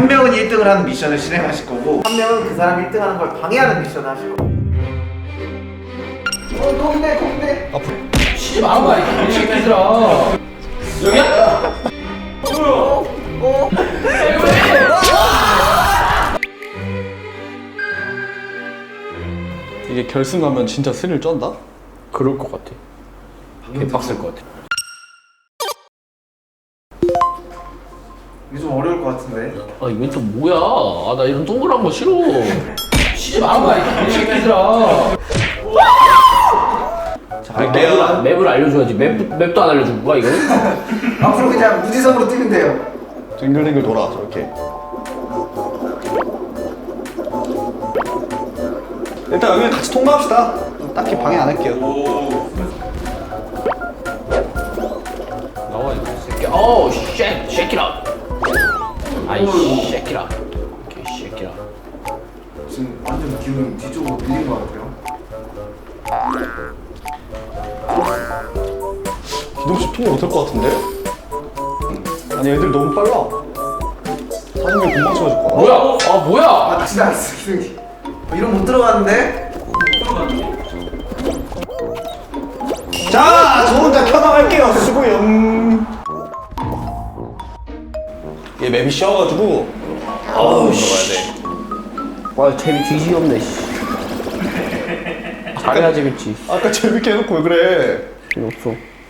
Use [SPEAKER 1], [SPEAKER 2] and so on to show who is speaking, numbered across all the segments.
[SPEAKER 1] 한 명은 1등을 하는 미션을 실행하실 거고 한 명은 그 사람이 1등 하는 걸 방해하는 미션을 하실 거고. 거긴데.
[SPEAKER 2] 치지 마는 거 아니야? 이 새끼들아. 여기야?
[SPEAKER 3] 이게 결승 가면 진짜 스릴 쩐다?
[SPEAKER 2] 그럴 것 같아. 개빡셀 것 같아.
[SPEAKER 1] 이게 좀 어려울 것 같은데.
[SPEAKER 2] 아 이벤트 뭐야? 아 나 이런 동그란 거 싫어. 치지 마는 거 아니야? 이 새끼들아. 자, 맵을 알려줘야지. 맵도 안 알려준 거야 이거는?
[SPEAKER 1] 앞으로 그냥 무지성으로 뛰면 돼요.
[SPEAKER 3] 댕글댕글 돌아 저렇게. 일단 여기 같이 통과합시다. 딱히 방해 안 할게요.
[SPEAKER 2] 나와 이 새끼. 오 쉐 쉐키라. 아이 쉐키라. 오케이 쉐키라.
[SPEAKER 1] 지금 완전 기운이 뒤쪽으로 밀린 것 같아요.
[SPEAKER 3] 기동식 통과 못할 것 같은데? 아니 애들 너무 빨라. 40명 금방 채워줄 거야.
[SPEAKER 2] 뭐야? 아 뭐야?
[SPEAKER 1] 아 다시 나왔어 기둥이. 이런 못 들어갔는데?
[SPEAKER 3] 자, 저 혼자 켜나갈게요. 수고요. 얘 맵이 쉬워가지고
[SPEAKER 2] 아우 씨. 와 재미 뒤지게 없네. 잘해야 재밌지.
[SPEAKER 3] 아까 재밌게 해놓고 왜 그래?
[SPEAKER 2] 필요 없어.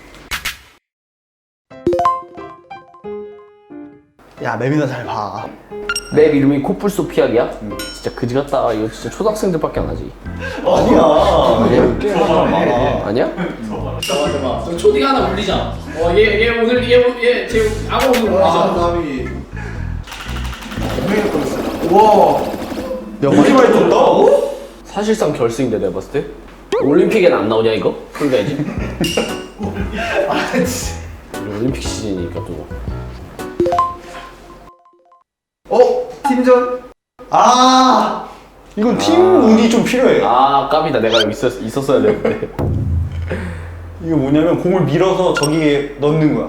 [SPEAKER 3] 야, 맵이나 잘 봐.
[SPEAKER 2] 맵 이름이 코뿔소 피하기야? 진짜 그지 같다. 이거 진짜 초등학생들밖에 안 하지.
[SPEAKER 3] 아니야. 게임 하는 사람 많아.
[SPEAKER 2] 아니야?
[SPEAKER 4] 너 초딩 하나 올리자. 얘 오늘 얘 지금 악어 오늘 올리자.
[SPEAKER 1] 남이. 분명히 걸렸어. 우와.
[SPEAKER 3] 이렇게 많이 떴다?
[SPEAKER 2] 사실상 결승인데 내가 봤을 때. 올림픽에는 안 나오냐 이거? 풀가야지.
[SPEAKER 1] 아 진짜.
[SPEAKER 2] 올림픽 시즌이니까 또.
[SPEAKER 1] 팀전?
[SPEAKER 3] 아, 이건 팀 운이 좀 필요해.
[SPEAKER 2] 아 깝이다. 내가 여기 있었어야 되는데.
[SPEAKER 3] 이게 뭐냐면 공을 밀어서 저기에 넣는 거야.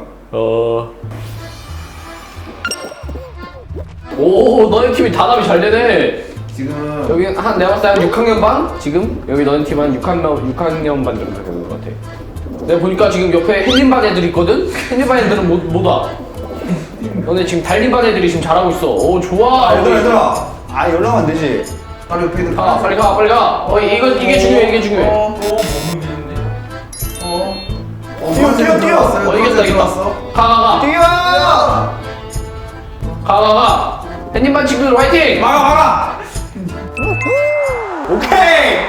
[SPEAKER 2] 오 너네 팀이 단합이 잘 되네.
[SPEAKER 1] 지금
[SPEAKER 2] 여기 한 내가 봤을 때 한 6학년 반? 지금? 여기 너네 팀 한 6학년 반 정도 되는 것 같아. 내가 보니까 지금 옆에 햇님 반 애들 있거든? 햇님 반 애들은 못 와. 너네 지금 달린 반 애들이 지금 잘하고 있어. 오 좋아.
[SPEAKER 3] 얘들아. 아, 연락 안 되지.
[SPEAKER 1] 바로 옆에 있는
[SPEAKER 2] 가 빨리 가. 이게 중요해.
[SPEAKER 3] 뛰어.
[SPEAKER 2] 이겼다. 가.
[SPEAKER 1] 뛰어!
[SPEAKER 2] 가. 햇님 반 친구들 화이팅!
[SPEAKER 3] 막아. 오케이.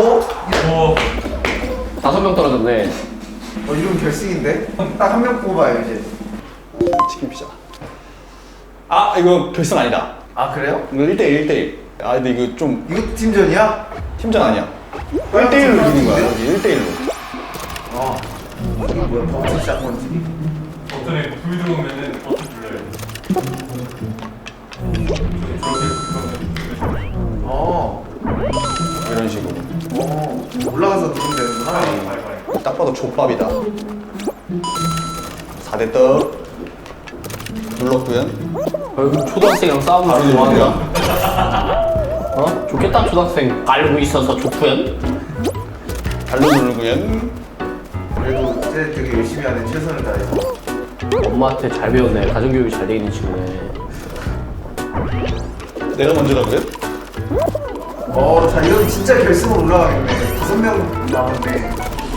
[SPEAKER 2] 5명 떨어졌네.
[SPEAKER 1] 이러면 결승인데? 딱 한 명 뽑아요 이제.
[SPEAKER 3] 치킨 피자. 아, 이거 결승 아니다.
[SPEAKER 1] 아 그래요?
[SPEAKER 3] 이거 1대1. 아, 근데 이거 좀
[SPEAKER 1] 이거 팀전이야?
[SPEAKER 3] 팀전 아니야. 1대1로 이기는 거야. 여기 1대1로.
[SPEAKER 1] 아 뭐야 버튼 시작 건지.
[SPEAKER 5] 버튼에 불 들어오면은 버튼 눌러요.
[SPEAKER 3] 이런 식으로.
[SPEAKER 1] 올라가서 누르면 되는구나.
[SPEAKER 3] 딱 봐도 족밥이다. 4대 떡. 눌렀구요.
[SPEAKER 2] 초등학생이랑 싸우는 거 좋아한다. 어? 좋겠다 초등학생 알고 있어서 좋구연.
[SPEAKER 3] 발로 누르구요.
[SPEAKER 1] 그래도 이제 되게 열심히 하는 최선을 다해서.
[SPEAKER 2] 엄마한테 잘 배웠네. 가정교육이 잘 돼 있는 친구네.
[SPEAKER 3] 내가 먼저라고요?
[SPEAKER 1] 자 이러면 진짜 결승으로 올라가겠네. 5명 남았네.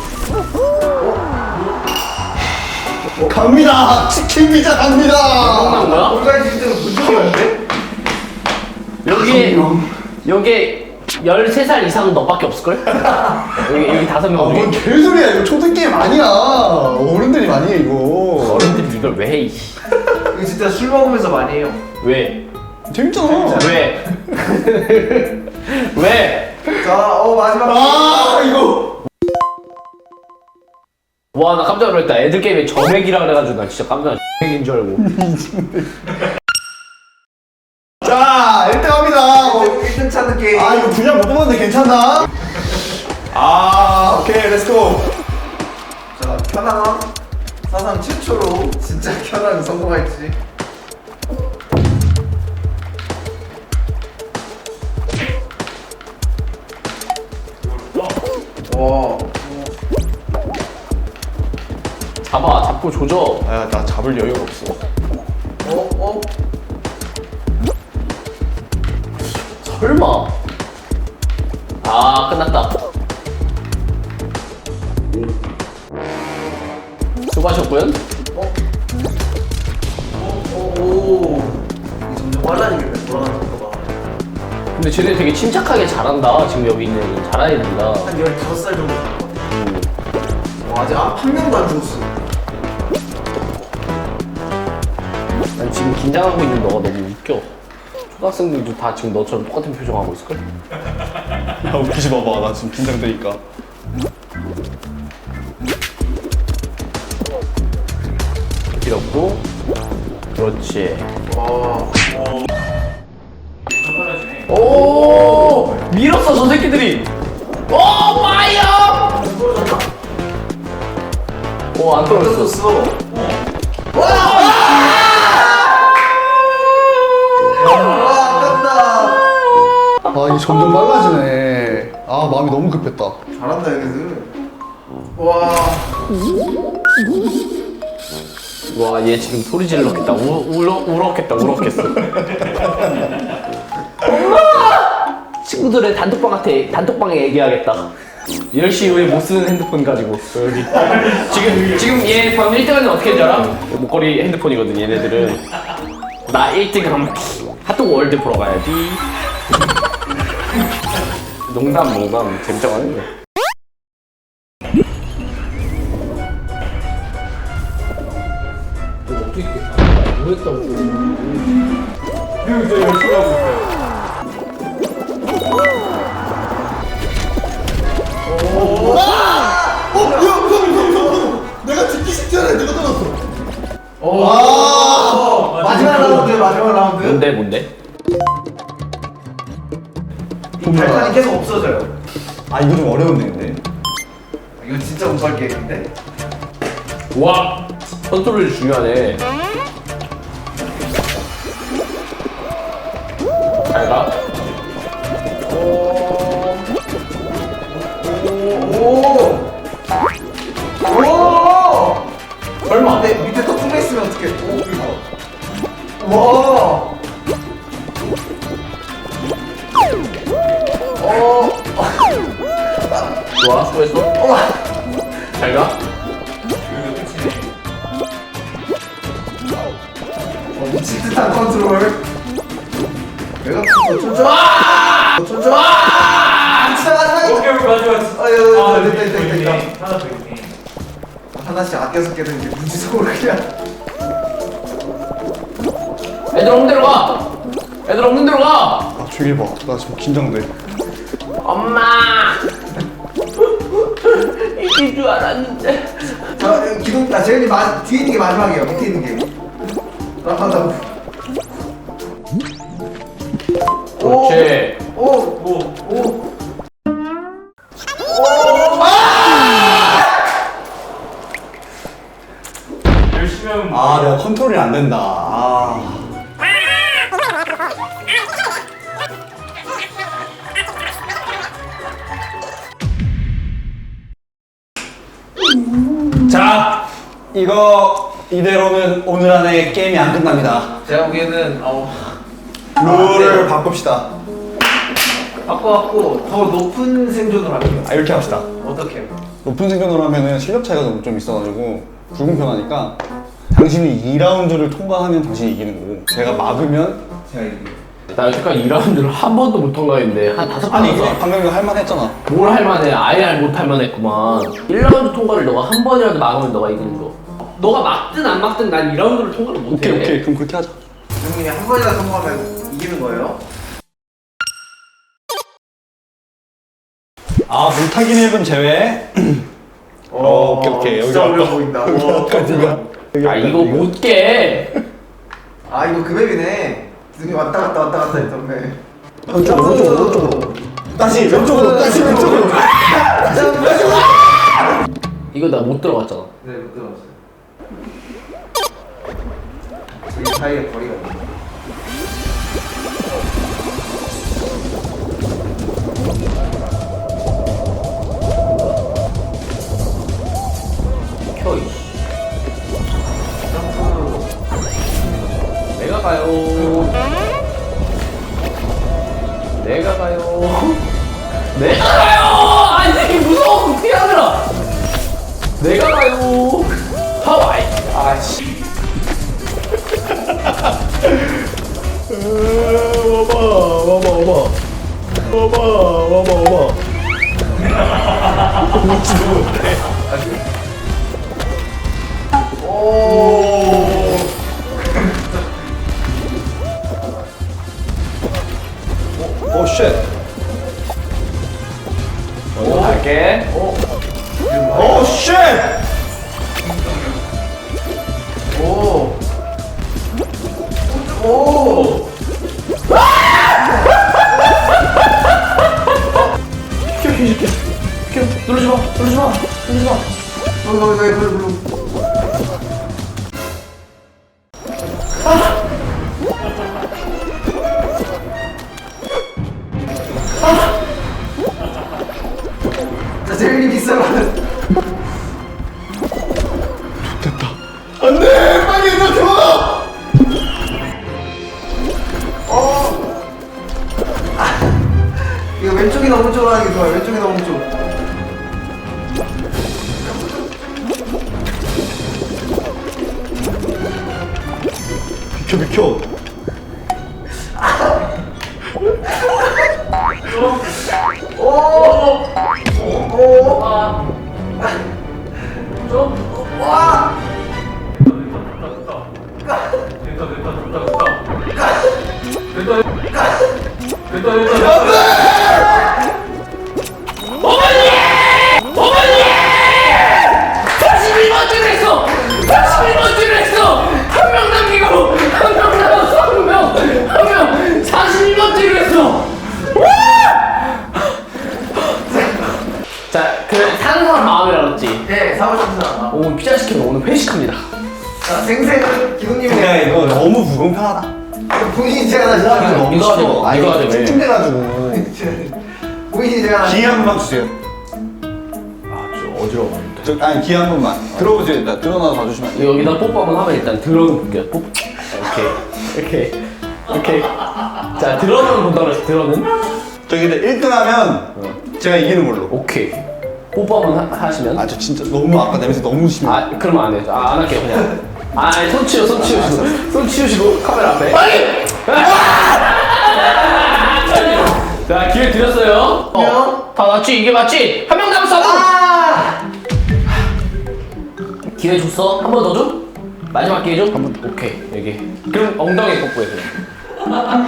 [SPEAKER 3] 갑니다. 치킨 피자 갑니다.
[SPEAKER 2] 끝난 거야?
[SPEAKER 1] 올가이 진짜로 본 적이 없는데?
[SPEAKER 2] 여기 13살 이상은 너밖에 없을걸? 여기 5명
[SPEAKER 3] 뭔
[SPEAKER 2] 중에
[SPEAKER 3] 개소리야. 이거 초등 게임 아니야. 어른들이 많이 해 이거.
[SPEAKER 2] 어른들이 이걸 왜 해? 이씨.
[SPEAKER 1] 이거 진짜 술 먹으면서 많이 해요.
[SPEAKER 2] 왜?
[SPEAKER 3] 재밌잖아.
[SPEAKER 2] 왜? 왜?
[SPEAKER 1] 자, 마지막.
[SPEAKER 3] 아, 이거.
[SPEAKER 2] 와 나 깜짝 놀랐다. 애들 게임에 점액이라 그래가지고 나 진짜 깜짝 점액인 줄 알고.
[SPEAKER 3] 자, 1등 합니다.
[SPEAKER 1] 1등 찾는 게임.
[SPEAKER 3] 아, 이거 분량 못 뽑았는데 괜찮나? 아, 오케이, 렛츠고.
[SPEAKER 1] 자, 켜낭. 사상 최초로 진짜 켜낭 성공할지. 와.
[SPEAKER 2] 잡고 조져.
[SPEAKER 3] 아, 나 잡을 여유가 없어.
[SPEAKER 1] 어?
[SPEAKER 2] 설마. 아, 끝났다. 수고하셨고요.
[SPEAKER 1] 오. 이 점점 빨라지게 돌아가는 속도가.
[SPEAKER 2] 근데 쟤네 되게 침착하게 잘한다. 지금 여기 있는 애들 잘하는 애들이다.
[SPEAKER 1] 한 15살 정도 되는 것 같아. 와, 아직 한 명도 안 죽었어.
[SPEAKER 2] 난 지금 긴장하고 있는 너가 너무 웃겨. 초등학생들도 다 지금 너처럼 똑같은 표정하고 있을걸?
[SPEAKER 3] 야, 웃기지 마봐. 나 지금 긴장되니까.
[SPEAKER 2] 길었고. 그렇지.
[SPEAKER 1] 와.
[SPEAKER 5] 빨라지네.
[SPEAKER 2] 오! 밀었어, 저 새끼들이! 오, 파이어! 오, 안 떨어졌어.
[SPEAKER 1] 떨어졌어. 와, 아깝다.
[SPEAKER 3] 아, 이게 점점 빨라지네. 아, 마음이 너무 급했다.
[SPEAKER 1] 잘한다, 얘네들. 와.
[SPEAKER 2] 와, 얘 지금 소리 질렀겠다. 울었겠어. 엄마! 친구들의 단톡방에 얘기하겠다. 10시 이후에 못 쓰는 핸드폰 가지고 여기 지금 얘 방금 1등하는 어떻게 했는지 알아? 목걸이 핸드폰이거든 얘네들은. 나 1등 하면 핫도그 월드 보러 가야지. 농담 재밌다고 하는데. 어떻게 뭐 했다고.
[SPEAKER 5] 형 이제 열심히 하고 있어요.
[SPEAKER 3] 내가 듣기 직전에 내가 들었어.
[SPEAKER 1] 오. 마지막 라운드, 마지막 라운드.
[SPEAKER 2] 뭔데?
[SPEAKER 1] 발판이 계속 없어져요.
[SPEAKER 3] 아, 이거 좀 어려운데, 근데.
[SPEAKER 1] 이거 진짜 못할 게임인데?
[SPEAKER 2] 와, 컨트롤이 중요하네. 잘 가.
[SPEAKER 1] 오.
[SPEAKER 2] 설마.
[SPEAKER 1] 근데 밑에 또 뚫려 있으면 어떡해? 와.
[SPEAKER 2] 좋아, 수고했어. 잘 가.
[SPEAKER 1] 미친 듯한 컨트롤. 내가 더 쳐줘. 더 쳐줘. 진짜 마지막이다.
[SPEAKER 5] 오케이 마지막.
[SPEAKER 1] 아유, 됐다.
[SPEAKER 5] 하나 더 있네.
[SPEAKER 1] 하나씩 아껴서 깨는 게 무지성으로 그냥.
[SPEAKER 2] 애들 없는 데로 가. 애들 없는 데로 가.
[SPEAKER 3] 아, 저기 봐. 나 지금 긴장돼.
[SPEAKER 2] 엄마. 이길 줄 알았는데.
[SPEAKER 1] 자, 기둥, 재현이 뒤에 있는 게 마지막이에요. 밑에 있는 게. 하다.
[SPEAKER 2] 그렇지.
[SPEAKER 1] 오.
[SPEAKER 5] 열심히 하면
[SPEAKER 3] 아, 내가 컨트롤이 안 된다. 아. 자, 이거 이대로는 오늘 안에 게임이 안 끝납니다.
[SPEAKER 1] 제가 보기에는
[SPEAKER 3] 룰을 바꿉시다.
[SPEAKER 1] 바꿔갖고 더 높은 생존을 할게요.
[SPEAKER 3] 아, 이렇게 합시다.
[SPEAKER 1] 어떻게?
[SPEAKER 3] 높은 생존으로 하면은 실력 차이가 좀 있어가지고 불공평하니까 당신이 2라운드를 통과하면 당신이 이기는 거고 제가 막으면
[SPEAKER 1] 제가 이게.
[SPEAKER 2] 나 여태까지 2라운드를 한 번도 못 통과했는데 한 5번
[SPEAKER 3] 아니
[SPEAKER 2] 했어.
[SPEAKER 3] 방금 이거 할만했잖아.
[SPEAKER 2] 뭘 할만해. 아예 못할만 했구만. 1라운드 통과를 너가 한 번이라도 막으면 너가 이기는 거. 너가 막든 안 막든 난 2라운드를 통과를 못해.
[SPEAKER 3] 오케이 그럼 그렇게 하자.
[SPEAKER 1] 형님이 한 번이라도 성공하면 이기는 거예요?
[SPEAKER 3] 아, 물타기 맵은 제외. 오케이.
[SPEAKER 1] 진짜
[SPEAKER 3] 여기
[SPEAKER 1] 어려워
[SPEAKER 3] 왔다.
[SPEAKER 1] 보인다.
[SPEAKER 2] 아 이거 못 깨.
[SPEAKER 1] 아 이거 그 맵이네. 눈이 왔다 갔다 했던 맵.
[SPEAKER 3] 왼쪽으로. 다시 왼쪽으로.
[SPEAKER 2] 이거 나 못 들어갔잖아.
[SPEAKER 1] 네, 못 들어갔어요. 이 사이에 거리가 있네.
[SPEAKER 2] 가요. 내가 가요. 내가 가요. 아니 무서워. 어떻게 하느라. 내가 가요. 하와이. 아씨.
[SPEAKER 3] 오 쉣.
[SPEAKER 2] 먼저 갈게.
[SPEAKER 3] 오 쉣.
[SPEAKER 1] 오. 오.
[SPEAKER 2] 누르지 마. 누르지 마. 누르지 마.
[SPEAKER 1] 자, 재민이 비싸면.
[SPEAKER 3] 안돼 빨리 얘들아 들어가.
[SPEAKER 1] 이거 왼쪽이나 오른쪽으로 하는 게 좋아요. 왼쪽이나 오른쪽.
[SPEAKER 3] 비켜 비켜.
[SPEAKER 2] 어머니! 41번째를 했어! 41번째를 했어! 한 명 남기고 한 명 남았어! 한 명 41번째를 했어! 자, 그 사는 사람 마음이라 그랬지?
[SPEAKER 1] 네, 사고 싶은 사람.
[SPEAKER 2] 오늘 피자 시키면 오늘 회식합니다.
[SPEAKER 1] 자, 생생은 기동님이.
[SPEAKER 3] 야 이거 너무 불공평하다.
[SPEAKER 1] 본인이 제가 나 진짜.
[SPEAKER 3] 너무
[SPEAKER 2] 이거 하자,
[SPEAKER 3] 싫어. 아
[SPEAKER 2] 이거 하자,
[SPEAKER 3] 이거
[SPEAKER 2] 왜?
[SPEAKER 3] 찡찡대가지고.
[SPEAKER 1] 본인이 제가 나.
[SPEAKER 3] 기회 한 번만 주세요.
[SPEAKER 2] 좀 어지러워.
[SPEAKER 3] 아니 기회 한 번만. 들어오세요 일단. 들어놔서 봐주시면 안 돼요?
[SPEAKER 2] 여기다 뽀뽀 한번 하면 일단 들어는 볼게요. 뽀뽀. 이렇게. 자, 들어는 본다고 했어, 들어는.
[SPEAKER 3] 저기 1등 하면 제가 이기는 걸로.
[SPEAKER 2] 오케이. 뽀뽀 한번 하시면.
[SPEAKER 3] 아 저 진짜 너무 아까 냄새 너무 심해.
[SPEAKER 2] 아, 그러면 안 돼. 안 할게요, 그냥. 아, 손 치우시고. 손 치우시고, 카메라 앞에. 빨리! 자, 기회 드렸어요. 다 맞지? 이게 맞지? 한 명 남았어! 기회 줬어? 한 번 더 줘? 마지막 기회 줘? 한 번 더. 오케이, 여기. 그럼 엉덩이 뽀뽀해, 그냥.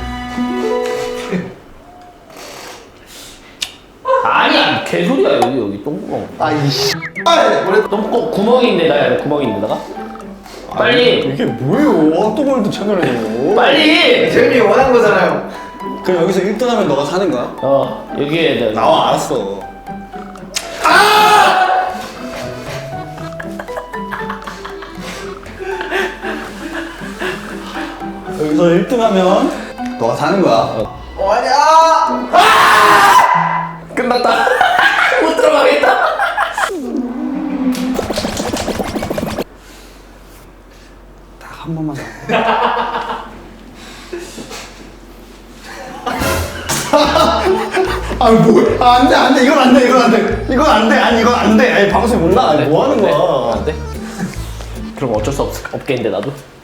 [SPEAKER 2] 아니야, 개소리야, 여기 똥구멍.
[SPEAKER 3] 아이씨.
[SPEAKER 2] 똥구멍 구멍인데다가, 구멍인데다가. 빨리!
[SPEAKER 3] 이게 뭐예요? 핫도그월드 채널에서.
[SPEAKER 2] 빨리!
[SPEAKER 1] 재민이 원한 거잖아요.
[SPEAKER 3] 그럼 여기서 1등 하면 너가 사는 거야?
[SPEAKER 2] 여기에 내
[SPEAKER 3] 나와 알았어. 여기서 1등 하면 너가 사는 거야.
[SPEAKER 1] 아니야.
[SPEAKER 2] 끝났다. 못 들어가겠다.
[SPEAKER 3] 딱 한 번만 사. 아 뭐야? 안 돼, 이건 안 돼, 이건 안 돼, 이건 안 돼, 아니 이건 안 돼. 아니 방송에 못 나가. 뭐 하는 거야?
[SPEAKER 2] 안 돼? 그럼 어쩔 수 없겠는데 나도.